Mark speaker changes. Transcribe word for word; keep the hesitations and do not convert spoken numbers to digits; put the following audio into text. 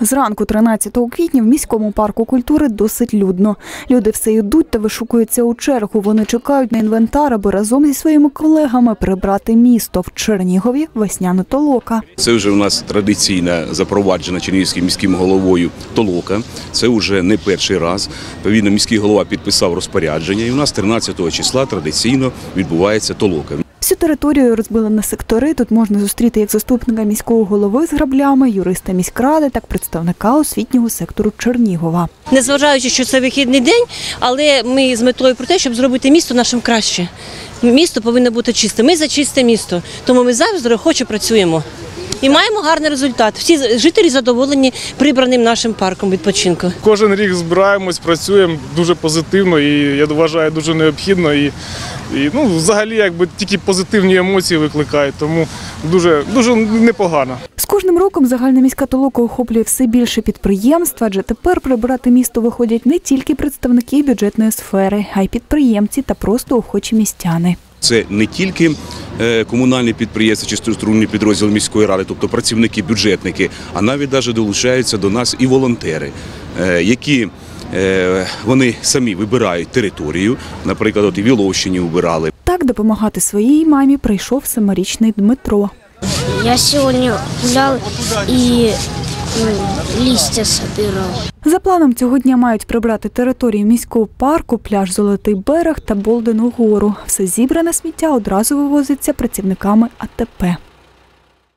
Speaker 1: Зранку тринадцятого квітня в міському парку культури досить людно. Люди все йдуть та вишукуються у чергу. Вони чекають на інвентар, аби разом зі своїми колегами прибрати місто. В Чернігові весняна толока.
Speaker 2: Це вже у нас традиційна запроваджена чернігівським міським головою толока. Це вже не перший раз. Відповідно, міський голова підписав розпорядження і у нас тринадцятого числа традиційно відбувається толока.
Speaker 1: Всю територію розбили на сектори. Тут можна зустріти як заступника міського голови з граблями, юриста міськради, так і представника освітнього сектору Чернігова.
Speaker 3: Незважаючи, що це вихідний день, але ми з метою про те, щоб зробити місто нашим краще. Місто повинно бути чисте. Ми за чисте місто, тому ми завжди охоче працюємо. І маємо гарний результат. Всі жителі задоволені прибраним нашим парком відпочинку.
Speaker 4: Кожен рік збираємось, працюємо дуже позитивно і, я вважаю, дуже необхідно. І, і ну, взагалі, якби тільки позитивні емоції викликають, тому дуже, дуже непогано.
Speaker 1: З кожним роком загальна міська толока охоплює все більше підприємств, адже тепер прибирати місто виходять не тільки представники бюджетної сфери, а й підприємці та просто охочі містяни.
Speaker 2: Це не тільки комунальні підприємства чи структурні підрозділи міської ради, тобто працівники, бюджетники, а навіть навіть долучаються до нас і волонтери, які вони самі вибирають територію, наприклад, от і в Іловщині вибирали.
Speaker 1: Так допомагати своїй мамі прийшов семирічний Дмитро.
Speaker 5: Я сьогодні гуляв і листя збирав.
Speaker 1: За планом цього дня мають прибрати територію міського парку, пляж Золотий берег та Болдену гору. Все зібране сміття одразу вивозиться працівниками А Те Пе.